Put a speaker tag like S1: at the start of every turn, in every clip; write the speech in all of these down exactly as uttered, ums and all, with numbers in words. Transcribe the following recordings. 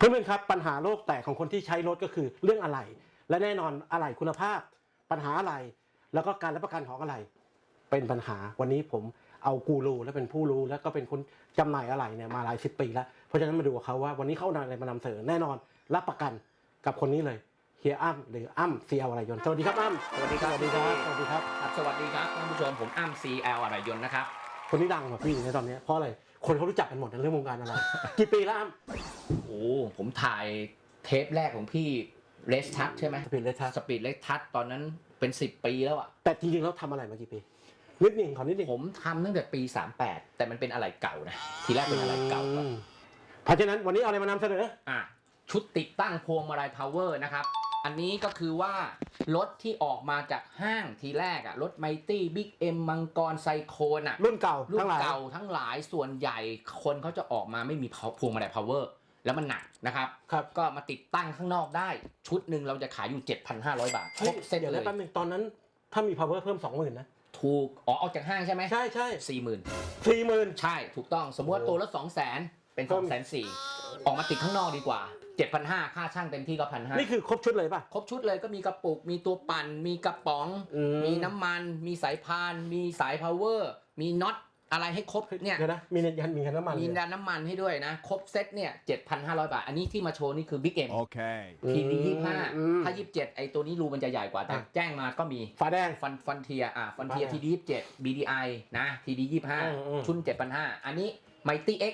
S1: เพื่อนๆครับปัญหาโลกแตกของคนที่ใช้รถก็คือเรื่องอะไหล่และแน่นอนอะไหล่คุณภาพปัญหาอะไหล่แล้วก็การรับประกันของอะไหล่เป็นปัญหาวันนี้ผมเอากูรูและเป็นผู้รู้แล้วก็เป็นคนจำหน่ายอะไหล่เนี่ยมาหลายสิบปีแล้วเพราะฉะนั้นมาดูกับเขาว่าวันนี้เขาเอาอะไรมานำเสนอแน่นอนรับประกันกับคนนี้เลยเฮียอ้ำหรืออ้ำซีเอลอะไรยนต์สวัสดีครับอ้ำ
S2: สวัสดีครับ
S1: สวัสดีครับสวัสดีครับ
S2: สวัสดีครับท่านผู้ชมผมอ้ำ ซี แอล อะไรยนต์นะครับ
S1: คนนี้ดังกว่าพี่ในตอนนี้เพราะอะไรคนเขารู้จักกันหมดในเรื่องวงการอะไรกี่ปีแล้วอ้ำ
S2: โอ้ผมถ่ายเทปแรกของพี่เลสทัชใช่ไหม
S1: สปีดเลสทัช
S2: สปีดเลสทัชตอนนั้นเป็นสิบปีแล้วอ่ะ
S1: แต่จริงๆแล้วทำอะไรมากี่ปีนิดหนึ่งขอนิดหนึ่ง
S2: ผมทำตั้งแต่ปีสามแปดแต่มันเป็นอะไรเก่านะทีแรกเป็นอะไรเก่าก่อน
S1: เพราะฉะนั้นวันนี้เอาอะไรมานำเสนอ
S2: อ่ะชุดติดตั้งพวงมาลัยพาวเวอร์นะครับอันนี้ก็คือว่ารถที่ออกมาจากห้างทีแรกอ่ะรถไมตี้บิ๊กเอ็มมังกรไซโคนอ่ะ
S1: รุ่นเก่า
S2: รุ่นเก่าทั้งหลายส่วนใหญ่คนเขาจะออกมาไม่มีพวงมาลัยพาวเวอร์แล้วมันหนักนะครับ
S1: ครับ
S2: ก็มาติดตั้งข้างนอกได้ชุดหนึ่งเราจะขายอยู่ เจ็ดพันห้าร้อย บาทครบเซ็ตเลย
S1: เดี๋ยวแป๊บนึงตอนนั้นถ้ามี power เพิ่ม สองหมื่น นะ
S2: ถูกอ๋อออกจากห้างใช่ไหม
S1: ใช่ใช่
S2: สี่หมื่น
S1: สี่หมื่น
S2: ใช่ถูกต้องสมมติว่าตัวละสองแสนเป็นสองแสนสี่ออกมาติดข้างนอกดีกว่า เจ็ดพันห้าร้อย ค่าช่างเต็มที่ก็ หนึ่งพันห้าร้อย
S1: นี่คือครบชุดเลยป่ะ
S2: ครบชุดเลยก็มีกระปุกมีตัวปั่นมีกระป๋อง
S1: ม
S2: มีน้ำมันมีสายพานมีสาย power มีน็อตอะไรให้ครบเนี่ย
S1: เดี๋ยวนะมียันมีน้ำมัน
S2: มีดันน้ำมันให้ด้วยนะครบเซ็ตเนี่ย เจ็ดพันห้าร้อย บาทอันนี้ที่มาโชว์นี่คือ Big M
S3: โอเค
S2: ที ดี ยี่สิบห้าถ้ายี่สิบเจ็ดไอตัวนี้รูมันจะใหญ่กว่าแต่แจ้งมาก็มี
S1: ฟ้าแดง
S2: ฟันฟันเทียอ่ะฟันเทีย ที ดี ยี่สิบเจ็ด บี ดี ไอ นะ ที ดี ยี่สิบห้า ชุน เจ็ดพันห้าร้อย อันนี้ Mighty X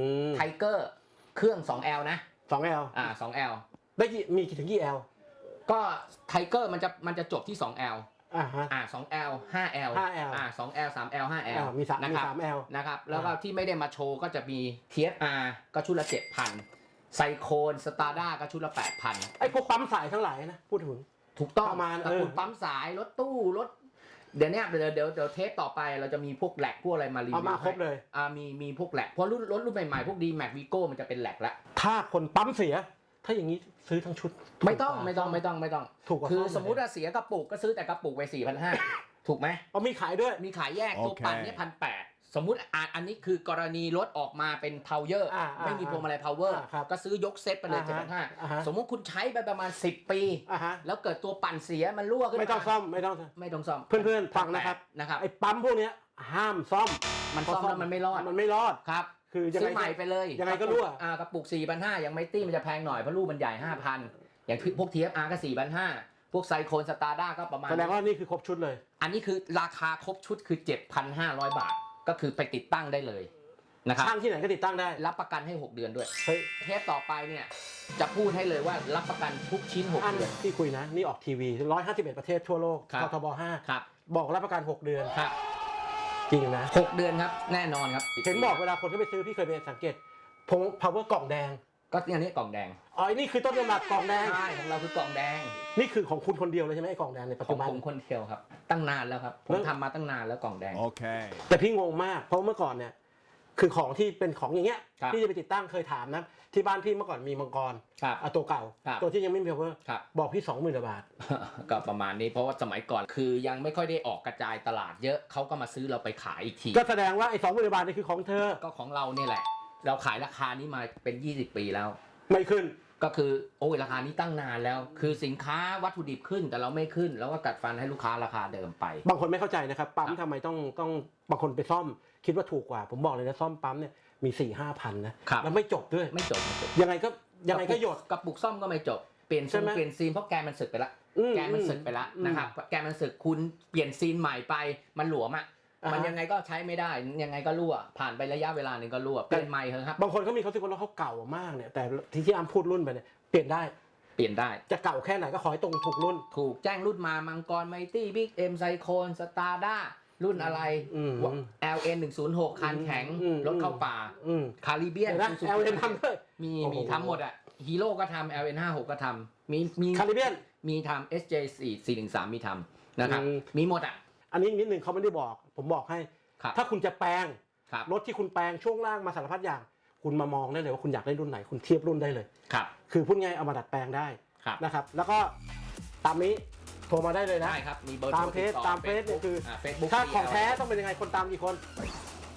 S2: Tiger เครื่อง สอง แอล นะ
S1: สอง แอล
S2: อ่า สอง แอล
S1: ได้กี่มีกี่ถึงกี่ L
S2: ก็ Tiger มันจะมันจะจบที่ สอง แอล
S1: อ่าฮะ
S2: อ่า สอง แอล ห้า แอล
S1: ห้า L
S2: อ่า สอง แอล สาม แอล ห้า แอล
S1: มีสาม
S2: นะ
S1: มี
S2: ครับ
S1: สาม L
S2: นะครับแล้วก็ที่ไม่ได้มาโชว์ก็จะมี ที เอส อาร์ ก็ชุดละ เจ็ดพัน ไซโคนสตาร์ด้าก็ชุดละ แปดพัน
S1: ไอ้พวกปั๊มสายทั้งหลายนะพูดถึง
S2: ถูกต้อง
S1: ประมาณ
S2: ตระกูลปั๊มสายรถตู้รถเดี๋ยวเนี้ยเดี๋ยวเดี๋ยวเดี๋ยวเทปต่อไปเราจะมีพวกแหลกพวกอะไรมารีวิว
S1: เอามาครบเลย
S2: อ่ามีมีพวกแหลกเพราะรุ่นรถรุ่นใหม่ๆพวกดีแม็กวีโก้มันจะเป็นแหลกแล้ว
S1: ถ้าคนปั๊มเสียถ้าอย่างนี้ซื้อทั้งชุด
S2: ไม่ต้องไม่ต้องไม่ต้องไม่ต้อง
S1: ถูกกว่า
S2: คือสมมุติว่าเสียกระปุกก็ซื้อแต่กระปุกไป สี่พันห้าร้อย ถูกไหม
S1: เอามีขายด้วย
S2: มีขายแยกตัวปั่นเนี่ยพันแปดสมมุติอ่าอันนี้คือกรณีรถออกมาเป็นพาวเวอร์ไม่มีพวงมาลัยพาวเวอร์ก็ซื้อยกเซตไปเลย เจ็ดพันห้าร้อย สมมุติคุณใช้ไปประมาณสิบปีแล้วเกิดตัวปั่นเสียมันรั่วขึ้นมา
S1: ไม่ต้องซ่อมไม่ต้อง
S2: ไม่ต้องซ่อม
S1: เพื่อนๆฟังนะครับ
S2: นะครับ
S1: ไอ้ปั๊มพวกนี้ห้ามซ่อม
S2: มันซ่อมแล้วมันไม่รอด
S1: มันไม่รอด
S2: ครับ
S1: คือ
S2: ซื้อใหม่ไปเลย
S1: ยังไงก็รั่ว
S2: อ่ากระปุก สี่พันห้าร้อย อย่างไมตี้มันจะแพงหน่อยเพราะลูกมันใหญ่ ห้าพัน อย่างพวก ที เอฟ อาร์ ก็ สี่พันห้าร้อย พวกไซโคนสตาร์ด้าก็ประมาณ
S1: แสดงว่านี่คือครบชุดเลย
S2: อันนี้คือราคาครบชุดคือ เจ็ดพันห้าร้อย บาทก็คือไปติดตั้งได้เลยนะครับ
S1: ช่างที่ไหนก็ติดตั้งได้
S2: รับประกันให้หกเดือนด้วย
S1: เฮ้ย
S2: เทปต่อไปเนี่ยจะพูดให้เลยว่ารับประกันทุกชิ้นหกเดือน
S1: ที่คุยนะนี่ออกทีวีหนึ่งร้อยห้าสิบเอ็ดประเทศทั่วโลกททบห้า
S2: ครับ
S1: บอกรับประกันหกเดือน
S2: ครับ
S1: จริงนะ
S2: หกเดือนครับแน่นอนครับ
S1: เห็นบอกเวลาคนที่ไปซื้อพี่เคยไปสังเกตพง power กล่องแดง
S2: ก็อันนี้กล่องแดง
S1: อ๋อนี่คือต้นกำเนิดกล่องแดง
S2: ใช่ของเราคือกล่องแดง
S1: นี่คือของคุณคนเดียวเลยใช่ไหมไอ้กล่องแดงในปัจจุบัน
S2: ของผมคนเดียวครับตั้งนานแล้วครับผมทำมาตั้งนานแล้วกล่องแดง
S3: โอเค
S1: แต่พี่งงมากเพราะเมื่อก่อนเนี่ยคือของที่เป็นของอย่างเงี้ยที่จะไปติดตั้งเคยถามนะที่บ้านพี่เมื่อก่อนมีมังกรอ่ะตัวเก่าตัวที่ยังไม่มี power บอกพี่ สองหมื่น บาท
S2: ก็ประมาณนี้เพราะว่าสมัยก่อนคือยังไม่ค่อยได้ออกกระจายตลาดเยอะเขาก็มาซื้อเราไปขายอีกที
S1: ก็แสดงว่าไอ้ สองหมื่น บาทนี่คือของเธอ
S2: ก็ของเราเนี่ยแหละเราขายราคานี้มาเป็นยี่สิบปีแล้ว
S1: ไม่ขึ้น
S2: ก็คือโอ้ยราคานี้ตั้งนานแล้วคือสินค้าวัตถุดิบขึ้นแต่เราไม่ขึ้นแล้วก็กัดฟันให้ลูกค้าราคาเดิมไป
S1: บางคนไม่เข้าใจนะครับปั๊มทำไมต้องต้องบางคนไปซ่อมคิดว่าถูกกว่าผมบอกเลยนะซ่อมปั๊มเนี่ยมีสี่ห้าพันนะแล้วไม่จบด้วย
S2: ไม่จบไม่จบ
S1: ยังไงก็ยังไงก็หยด
S2: กระปุกซ่อมก็ไม่จบเปลี่ยนซีนเปลี่ยนซีนเพราะแกนมันสึกไปละแกนมันสึกไปละนะครับแกนมันสึกคุณเปลี่ยนซีนใหม่ไปมันหลวมอ่ะมันยังไงก็ใช้ไม่ได้ยังไงก็รั่วผ่านไประยะเวลาหนึ่งก็รั่วเปลี่ยนใหม่เถอะครับ
S1: บางคนเขามีเขาคิดว่าเขาเก่ามากเนี่ยแต่ที่ที่อ้ำพูดรุ่นไปเนี่ยเปลี่ยนได้
S2: เปลี่ยนได้
S1: จะเก่าแค่ไหนก็ขอให้ตรงถูกรุ่น
S2: ถูกแจ้งรุ่นมามังกรไมตี้บิ๊กเอ็มไซโคนสตาร์ด้ารุ่นอะไร แอล เอ็น หนึ่งศูนย์หก คันแข็งรถเข้าป่าคาริเบียน
S1: แอล เอ็น ทำด้วย
S2: มีมีทำหมดอ่ะฮีโร่ก็ทำ แอล เอ็น ห้าสิบหก ก็ทำมีมี
S1: คาริเบียน
S2: มีทำ เอส เจ สี่ สี่หนึ่งสาม มีทำนะครับมีหมดอ่ะ
S1: อันนี้นิดนึงเขาไม่ได้บอกผมบอกให้ถ้าคุณจะแปลงรถที่คุณแปลงช่วงล่างมาสารพัดอย่างคุณมามองได้เลยว่าคุณอยากได้รุ่นไหนคุณเทียบรุ่นได้เลย
S2: ครับ
S1: คือพูดง่ายเอามาดัดแปลงได้นะครับแล้วก็ตามนี้โทรมาได้เลยนะ
S2: ได้ครับมีเบอร์
S1: ตามเพจตามเฟซเนี่ยคือถ้าของแท้ต้องเป็นยังไงคนตามกี่คน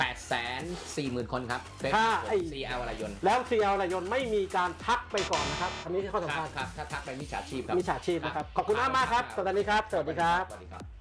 S2: แปดแสนสี่หมื่นคนครับเฟซ
S1: ถ้า
S2: บุ๊ก
S1: ไอ้
S2: ซี แอล อะไรยนต์
S1: แล้ว ซี แอล รายยนต์ไม่มีการทักไปก่อนนะครับอันนี้ที่ข้อ
S2: ค
S1: สำ
S2: รั
S1: คั
S2: บ
S1: ญ
S2: ครับถ้าทักไปมิจฉาชีพครับ
S1: มิจฉาชีพนะครับขอบคุณมากๆครับสวัสดีครับสวัสดีครับ
S2: สวัสดีครับ